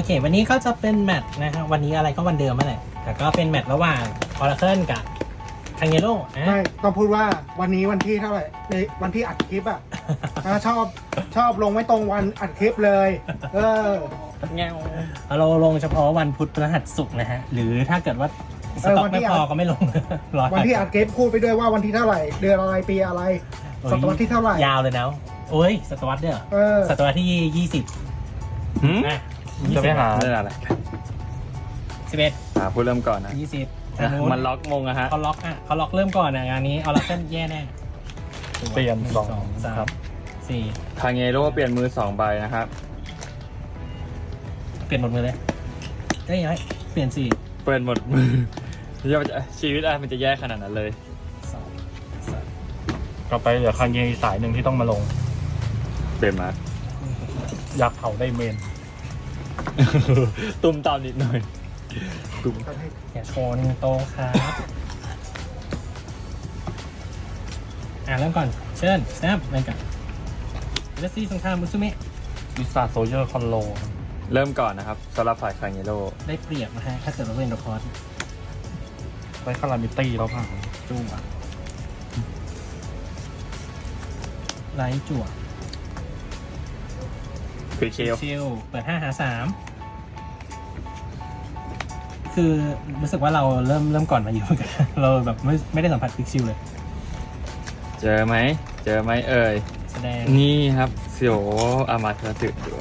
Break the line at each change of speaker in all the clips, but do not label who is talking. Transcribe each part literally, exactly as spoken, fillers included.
เควันนี้ก็จะเป็นแมตช์นะฮะวันนี้อะไรก็วันเดิมนั่นแหละแต่ก็เป็นแมตช์ระหว่าง Oracle กับ Kangelo นะ
ไม่ต้องพูดว่าวันนี้วันที่เท่าไหร่ในวันที่อัดคลิปอ่ะ อ่าชอบชอบลงไม่ตรงวันอัดคลิปเลย เออ
เงาเราลงเฉพาะวันพุธพฤหัสศุกร์นะฮะหรือถ้าเกิดว่าสต็อกไม่พอก็ไม่ลง รอ
วันที่อัดคลิปพูดไปด้วยว่าวันที่เท่าไหร่เดือนอะไรปีอะไรศตวรรษที่เท่าไหร่
ยาวเลยนะโอ้ยศตวรรษเด้อ
เออ
ศตวรรษที่ยี่สิบ
หืม
นะ
จะไปหาเรื่องอะไร
สิบเอ็ด
หาผู้เริ่มก่อนนะ
ยี่สิบ
มันล็อกมงอะฮะ
เขาล็อกอ่ะเขาล็อกเริ่มก่อนอ่ะงานนี้ Oracle แย่แน่
เปลี่ยนสอง
สามสี่
คางเงโร่เปลี่ยนมือสองใบนะครับ
เปลี่ยนหมดมือเลยได้ยังไงเปลี่ยนสี่
เปลี่ยนหมดมือเดี๋ยวมันจะชีวิตอะไรมันจะแย่ขนาดนั้นเลย
สองสาม
ก็ไปเหลือคางเยอีกสายหนึ่งที่ต้องมาลง
เปลี่ยนมา
อยากเผาได้เมน
ตุ้มตามนิดหน่อยตุ้ม
อย่าชนโตครับอ่าเริ่มก่อนเชิญสแนปเริ่มก่อนเดซี่สงครามมุสุเมะ
วิสาโซเยอร์คอนโล
เริ่มก่อนนะครับสำหรับฝ่ายคางเงโร่
ได้เปรียบนะฮะถ้าเกิดเราเล่นโดคอร์ส
ไว้คารามิตี้แล้วผ่าน
จั่วไลท์จั่ว
ควิกเชล
ชิลเปิดห้าหาสามคือรู้สึกว่าเราเริ่มเริ่มก่อนมาอยู่เหมือนกัน เราแบบไม่ไม่ได้สัมผัสควิกชิลเลย
เจอไหมเจอไหมเอ่ย
แสดง
นี่ครับเสียวอามาเธอตื่นด้วย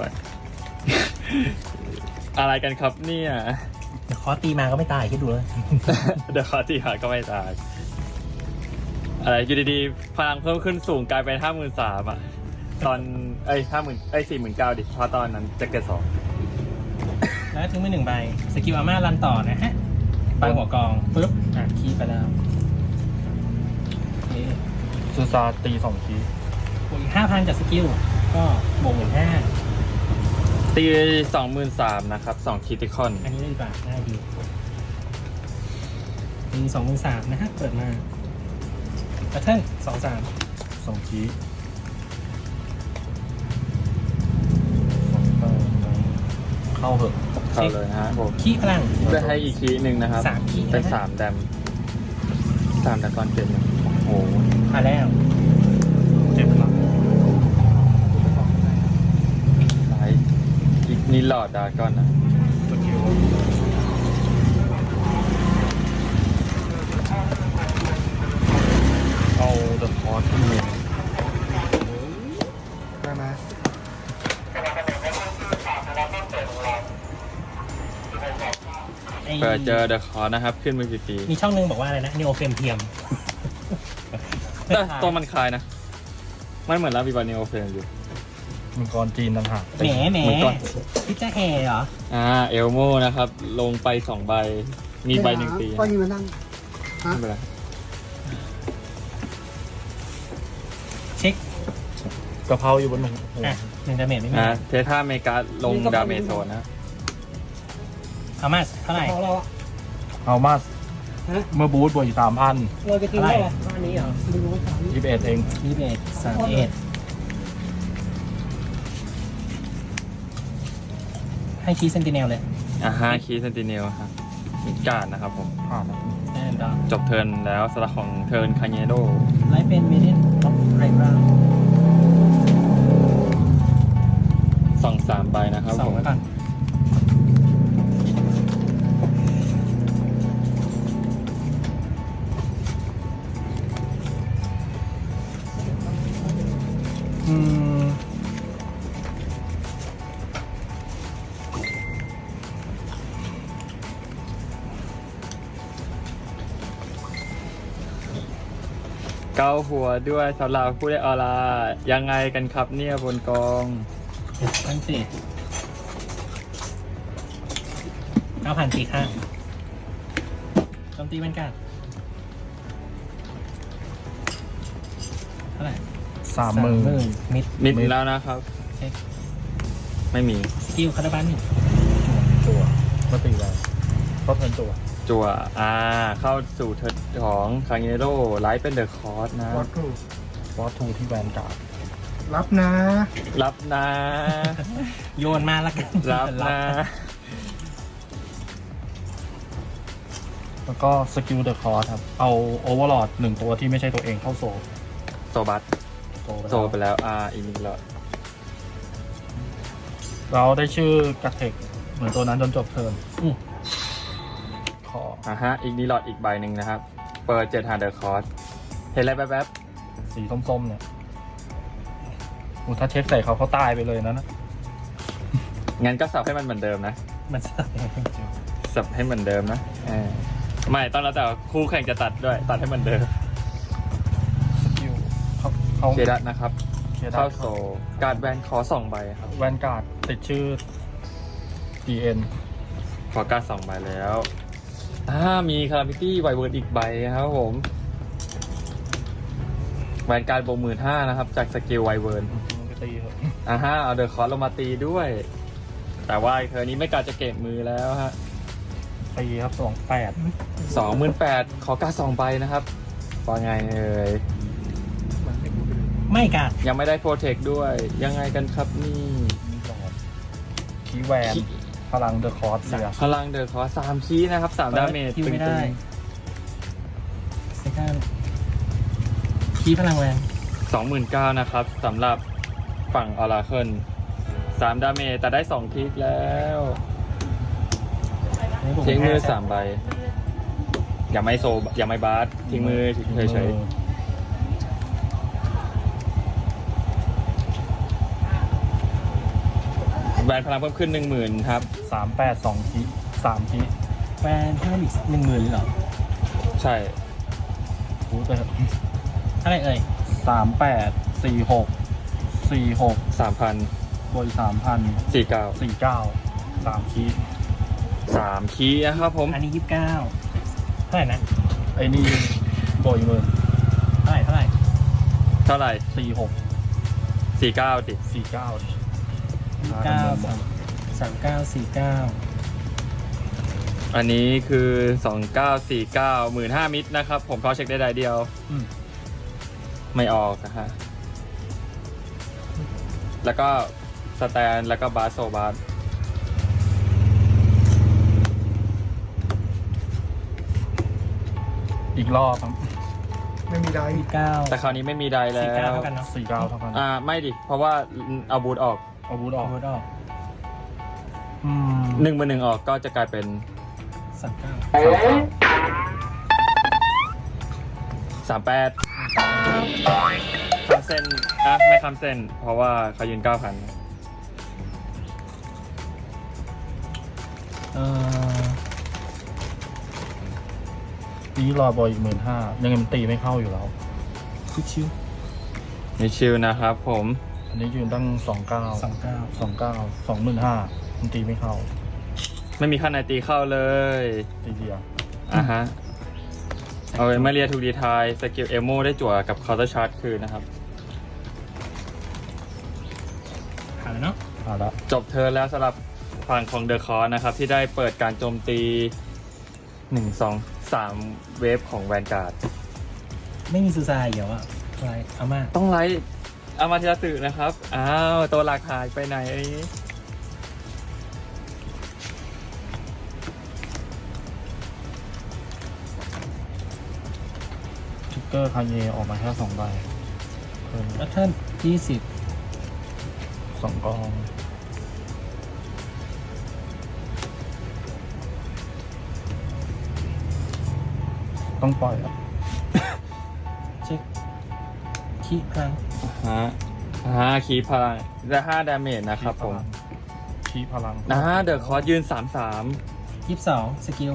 อะไรกันครับเนี่ย
เดี๋ยวคอร์สตีมาก็ไม่ตายคิดดูเลย
เดี๋ยวคอที่หาก็ไม่ตาย อะไรอยู่ดีๆพลังเพิ่มขึ้นสูงกลายเป็นห้าหมื่นสามอ่ะ ตอนเอ้ยห้าหมื่นเอ้ยสี่หมื่นเก้าดิเพราะตอนนั้นจะเกิดสอง
แล้วทิ้งไปหนึ่งใบสกิลอาม่ารันต่อนะฮะใบหัวกองปุ๊บอ่ะคีย์ไปแล้วโอเค
ซูซาตีสองที
บวกอีกห้าพันจากสกิลก็บวกหมื่นห้า
ตีสองหมื่นสามนะครับสองคิติคอน
อันนี้ได้ดีกว่าง่ายดีมีสองหมื่นสามนะฮะเปิดมาแพทเทิร์นสองสาม
สองทีเข้าเหอะ
เข้าเลยนะฮะผม
ขี้พลัง
ได้ให้อีกคีหนึ่งนะครับ
สามขี้
เป็น
นะฮะ
สามแดมสามดากอนเกมโอ้โห
มาแล้ว
เจ็บหลัง
ไลท์อีกนี่หลอดดากอนนะ
สกิลเอาเดอะคอร์สที่เมน
ได้ไหม
ไอ้
เปิดเจอเดอะคอร์นะครับ ขึ้นมือฟรี
มีช่องหนึงบอกว่าอะไรนะนีโอเฟมเทียม
ๆแต่ตัวมันคลายนะ มันเหมือนลาบิบานิโอเฟนอยู่
มังกรจีนต่างหาก
แหมแหม
เหมือนก่อน
พี่จะแห่เหรอ
อ่าเอลโมนะครับ ลงไปสองใบ มีใบหนึ่งตี
ก็ยิงมานั่ง
ไม่เป็นไร
เช็ค
กะเพราอยู่บนหนึ่งโอ้โห
อ่ะหนึ่งดาเมจไม่มี
นะเทท่าเมกาลงดาเมจโซนนะ
เอามาเท่าไหร่
พอเราอะ
เอามาส
ฮะ
เมื่อบูธบวกอีกสามพัน
เราจะกินได้เหรอบ้านนี้เหรอไม่รู้ว่าสาม
ยี่สิบเอ็ดเอง
ยี่สิบเอ็ดสามเอ็ดให้คีย์เซนติเนลเลย
อ่าฮาคีเซนติเนลครับมีการดนะครับผม
ผ่านแล้ว
แน่นอน
จบเทิร์นแล้วสลักของเทิร์นคาเนโด
ไลฟ์เป็นเมดินท็อปไรบรา
สองสามใบนะครับ
สอ
ผ
ง
ม
ไว้ก่อนอืม
เกาหัวด้วยสำหรับผู้ได้ออร่ายังไงกันครับเนี่ยบนกอง
เจ็ดพันสี่เก้าพันสี่ข้างโจมตีเป็นการเท่าไหร่
สามหมื่น
มิด
มิดแล้วนะครับ
เช็ค
ไม่มี
สกิลคาร์บันหนึ่ง
จั่วก็ตีแรงก็เทิร์นจั่ว
จั่วอ่า เข้าสู่เทิร์นของคาเนโดไลท์เป็นเดอะคอร์สนะ
วัดกู
วอทูที่แวนการ์ด
รับนะ
รับนะ
โยนมาแล้วกัน
รับนะ
แล้วก็สกิลเดอะคอร์สครับ เอาโอเวอร์ลอดหนึ่งตัวที่ไม่ใช่ตัวเองเข้าโซล
โซบัส
โซล
โซไปแล้วอ่าอีกนิดละ
เราได้ชื่อกระเทกเหมือนตัวนั้นจนจบเทิร์น
อืม
ขอ
อ่าฮะอีกนิดหลอดอีกใบหนึ่งนะครับ เปิดเจ็ดหาเดอร์คอร์สเห็นอะไรแป๊บ
สีส้มๆเนี่ยอูถ้าเช็คใส่เขาเขาตายไปเลยนะนะ
ๆงั้นก็สับให้มันเหมือนเดิมนะ
มันจะตัดยังไง
สับให้เหมือนเดิมนะเออไม่ต้องแล้วแต่คู่แข่งจะตัดด้วย ตัดให้เหมือนเดิม
สกิลเขาเขา
เคดัตนะครับ
เคดั
เข้า
ต
โซการ์ดแวนขอสองใบครับ
แวนการ์ดติดชื่อ ดี เอ็น
ขอการ์ดสองใบแล้วอ่ามีคารามิตี้ไวเวิร์ดอีกใบครับผมแวนการ์ดบวกหมื่นห้านะครับ จากสกิลไวเวิร์ด
มันก็ตีเถอะ
อ่าฮะเอาเดอร์คอร์ลงมาตีด้วย แต่ว่าเธอนี้ไม่กล้าจะเก็บมือแล้วฮะ
ตีครับสองแปด
สองหมื่นแปดขอการ์ดสองใบนะครับว่าไงเอ่ย
ไม่กัด
ยังไม่ได้โปรเทคด้วยยังไงกันครับนี่
นี่หลอดคีแวน
คี
พลังเดอะคอร์สเสีย
พลังเดอร์คอร์สามคีย์นะครับสามดาเมจ
คิว
ตึ
ไม่ได้
ง
เซคันคีพลังแรง
ๆสองหมื่นเก้านะครับสำหรับฝั่งออราเคิลสามดาเมจแต่ได้สองคลิกแล้วทิ้งมือสามใบอย่าไม่โซอย่าไม่บาสทิ้งมือเฉยๆแบนพลังเพิ่มขึ้นหนึ่งหมื่นครับ
สามแปดสองคีสามคี
แฟนเพิ่มอีกหนึ่งหมื่นเหรอ
ใช่
พูดไป
เท่าไหร่เอ่ย
สามแปดสี่หกสี่หก
สามพัน
บวกสามพัน
สี่เก้า
สี่เก้าสามคี
สามคีย์นะครับผม
อันนี้ยี่สิบเก้าเท่าไหร่นะ
ไอ้นี่บวกอีกหมื่น
เท่าไหร่เท่าไหร่
เท่าไหร่
สี่หก
สี่เก้าดิ
สี่เก้า
เก้าสามสามเก้าสี่เก้า
อันนี้คือสองเก้าสี่เก้าหมื่นห้ามิตรนะครับ ผมเขาเช็คได้ใดเดียว
อืม
ไม่ออกนะฮะ แล้วก็สแตนแล้วก็บาสโซบาส
อีกรอบครับ
ไม่มีได้
ยี่สิบเก้า
แต่คราวนี้ไม่มีใดแล้
สี่เก้าว เท่ากันเนาะ
สี่เก้าเท่ากัน
อ่าไม่ดิ เพราะว่าเอาบูทออก
อาวุธอ
อ
อ
อก กรถออก
อืม
หนึ่งมือหนึ่งออกก็จะกลายเป็น
สามเก้า
สามแปดคำเส้นอ่ะไม่คำเส้น เพราะว่าเขายืนเก้าพัน
เอ่อ
ตีรอบอยอีกหมื่นห้ายังไงมันตีไม่เข้าอยู่แล้ว
คิดชิว
นี่ชิลนะครับผม
อันนี้ยืนตั้งสองเก้า
สองเก้า
สองเก้าสองหมื่นห้ามันตีไม่เข้า
ไม่มีขั้นไหนตีเข้าเลย
ตีเดียว
อ่ะฮะ เอาเอมาเรียทูดีทายสกิลเอโมได้จั่วกับคาร์เตอร์ชาร์จคืนนะครับ
ผ่านแล้วเนาะ
เอาละ
จบเทิร์นแล้วสำหรับฝั่งของเดอะคอร์นะครับ ที่ได้เปิดการโจมตีหนึ่งสองสามเวฟของแวนการ์ด
ไม่มีซูซายเดี๋ยวอะอะไรเอามา
ต้องไลท์อามาเทราสึนะครับ อ้าว ตัวหลักหายไปไหน
ทริกเกอร์คาเยออกมาแค่สองใบเพิ่ม
แล้วท่านยี่สิบ
สองกองต้องปล่อยอ่ะ
เช็คคีพลัง
ฮะฮะคีพลังได้ห้าดาเมจนะครับผม
ชี้พลัง
นะฮะเดอะคอร์ยืนสามสาม
ยี่สิบสองสกิล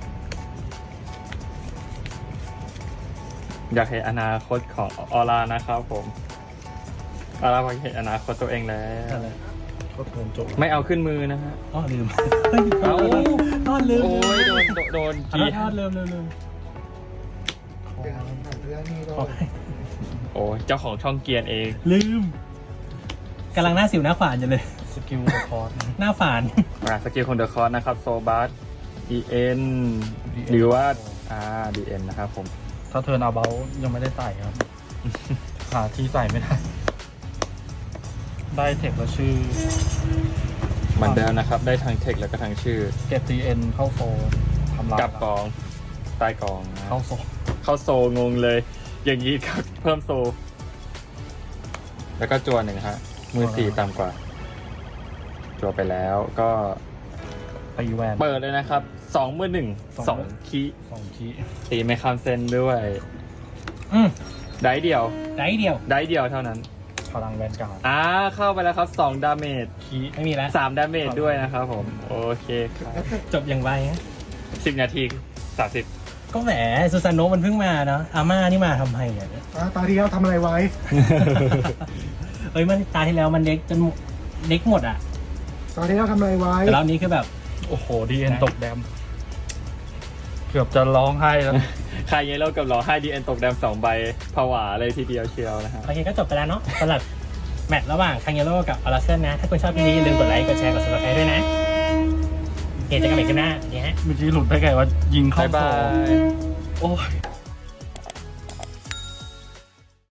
อยากเห็นอนาคตของออร่านะครับผมออร่าอยากเห็นอนาคตตัวเองแล้ว
อะไร
ก็เทิร์นจบ
ไม่เอาขึ้นมือนะฮะ
อ๋อลืม
เอ้า
ทอดลืม
โอ้ยโดนโดนโดน
ขอ
กี
โทษทอดลืมลืมลืม
เดี๋ยวผ่านเรื่องนี้ด้
ขอ
วย
โอ้ยเจ้าของช่องเกียร์เอง
ลืมกำลังหน้าสิวหน้าขวานอยู่เลย
สกิลคอร์ส
หน้าฝาน
อ่าสกิลของเดอะคอร์นะครับโซบัส อี เอ็น หรือว่าอ่า ดี เอ็น นะครับผม
ถ้าเทิร์นอาเบลยังไม่ได้ใส่ครับ หาที่ใส่ไม่ได้ ได้เทคแล้วชื่อ
เหมือนเดิมนะครับ ได้ทางเทคแล้วก็ทางชื่อ
เก็บ ที เอ็น เข้าโฟร์ทำลาย
กับกองใต้กองนะ
เข้าโซ
เข้าโซงงเลย อย่างนี้ครับเพิ่มโซ แล้วก็จัวหนึ่งฮะมือสี่ต่ำกว่า จัวไปแล้วก็
ตีแวน
เปิดเลยนะครับสองมือหนึ่ง
สอง
สองคี
สองคี
ตีไม่ข้ามเส้นด้วย
อืม
ได้เดียว
ได้เดียว
ได้เดียวเท่านั้น
พลังแวนการ์ด
อ่าเข้าไปแล้วครับสองดาเมจ
คี
ไม่มีแล้ว
สามดาเมจด้วยนะครับผม โอเคครับ
จบอย่างไวฮะ
สิบนาทีสามสิบ
ก็แหมซูซานโนะมันเพิ่งมาเนาะอาม่านี่มาทำไมเนี่ย
อ่ะตาที่แล้วทำอะไรไว้
เฮ้ยมันตาที่แล้วมันเด็กจนเด็กหมดอ่ะ
ตาที่แล้วทำอะไรไว้
แต่รอบนี้คือแบบ
โอ้โหดีเอ็นตกแดมเกือบจะร้องไห้แล้ว
ใครเยโร่กับหลอให้ดีเอ็นตกแดมสองใบผวาเลยทีเดียวเชียวนะฮะ
โอเคก็จบไปแล้วเนาะสำหรับแมตช์ระหว่างคังเยโร่กับอลาเซนนะ ถ้าคุณชอบคลิปนี้อย่าลืมกดไลค์กดแชร์กด ซับสไครบ์ ด้วยนะโอเคเจอกันใหม่คลิปหน้าสวัสดีฮะ
เมื่อกี้หลุดได้ไงว่ายิงเข้า
บ๊าย
โซ
บาย
โอ้ย